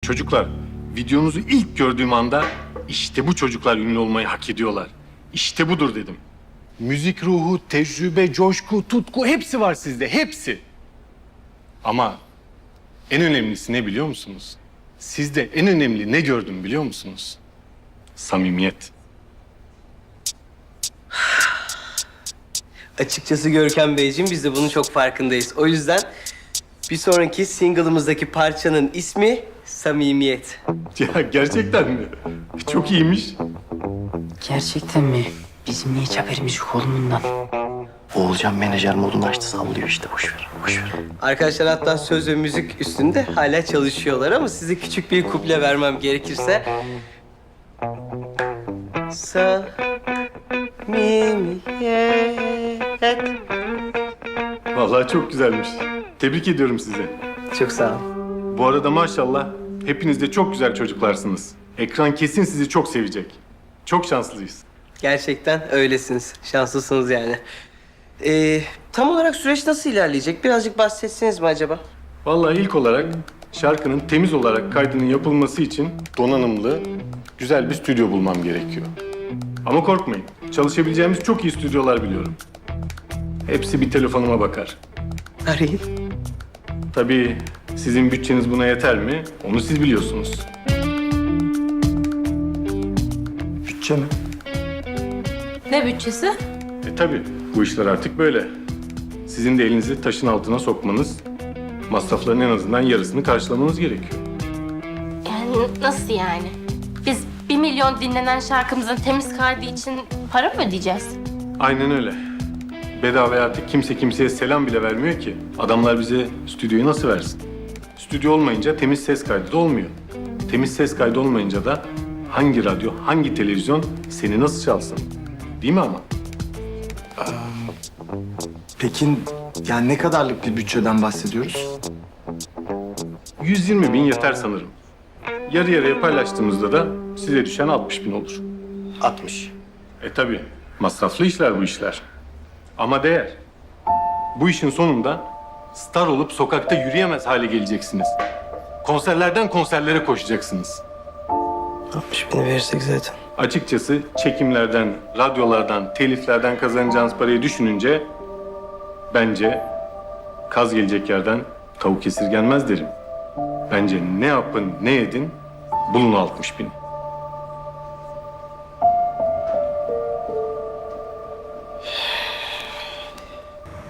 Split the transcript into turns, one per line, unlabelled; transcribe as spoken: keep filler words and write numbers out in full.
Çocuklar, videonuzu ilk gördüğüm anda işte bu çocuklar ünlü olmayı hak ediyorlar. İşte budur dedim. Müzik ruhu, tecrübe, coşku, tutku hepsi var sizde, hepsi. Ama en önemlisi ne biliyor musunuz? Sizde en önemli ne gördüm biliyor musunuz? Samimiyet.
Açıkçası Görkem Beyciğim biz de bunun çok farkındayız. O yüzden bir sonraki single'ımızdaki parçanın ismi Samimiyet.
Ya gerçekten mi? Çok iyiymiş.
Gerçekten mi? Bizim niye hiç haberimiz yok oğlum bundan?
Oğulcan menajer modunu açtı, sallıyor işte. Boş ver, boş ver.
Arkadaşlar hatta söz ve müzik üstünde hala çalışıyorlar ama size küçük bir kuple vermem gerekirse... Samimiyet.
Vallahi çok güzelmiş. Tebrik ediyorum sizi.
Çok sağ ol.
Bu arada maşallah hepiniz de çok güzel çocuklarsınız. Ekran kesin sizi çok sevecek. Çok şanslıyız.
Gerçekten öylesiniz. Şanslısınız yani. Ee, tam olarak süreç nasıl ilerleyecek? Birazcık bahsetseniz mi acaba?
Vallahi ilk olarak şarkının temiz olarak kaydının yapılması için donanımlı, güzel bir stüdyo bulmam gerekiyor. Ama korkmayın, çalışabileceğimiz çok iyi stüdyolar biliyorum. Hepsi bir telefonuma bakar.
Arayın.
Tabii sizin bütçeniz buna yeter mi? Onu siz biliyorsunuz.
Bütçe mi?
Ne bütçesi?
E tabii, bu işler artık böyle. Sizin de elinizi taşın altına sokmanız, masrafların en azından yarısını karşılamanız gerekiyor.
Yani nasıl yani? Biz bir milyon dinlenen şarkımızın temiz kaydı için para mı ödeyeceğiz?
Aynen öyle. Bedava artık kimse kimseye selam bile vermiyor ki. Adamlar bize stüdyoyu nasıl versin? Stüdyo olmayınca temiz ses kaydı da olmuyor. Temiz ses kaydı olmayınca da hangi radyo, hangi televizyon seni nasıl çalsın? Değil mi ama?
Peki yani ne kadarlık bir bütçeden bahsediyoruz?
yüz yirmi bin yeter sanırım. Yarı yarıya paylaştığımızda da size düşen altmış bin olur.
altmış.
E tabii, masraflı işler bu işler. Ama değer. Bu işin sonunda star olup sokakta yürüyemez hale geleceksiniz. Konserlerden konserlere koşacaksınız.
altmış bini verirsek zaten.
Açıkçası çekimlerden, radyolardan, teliflerden kazanacağınız parayı düşününce... bence kaz gelecek yerden tavuk esirgenmez derim. Bence ne yapın, ne edin, bulun altmış bin.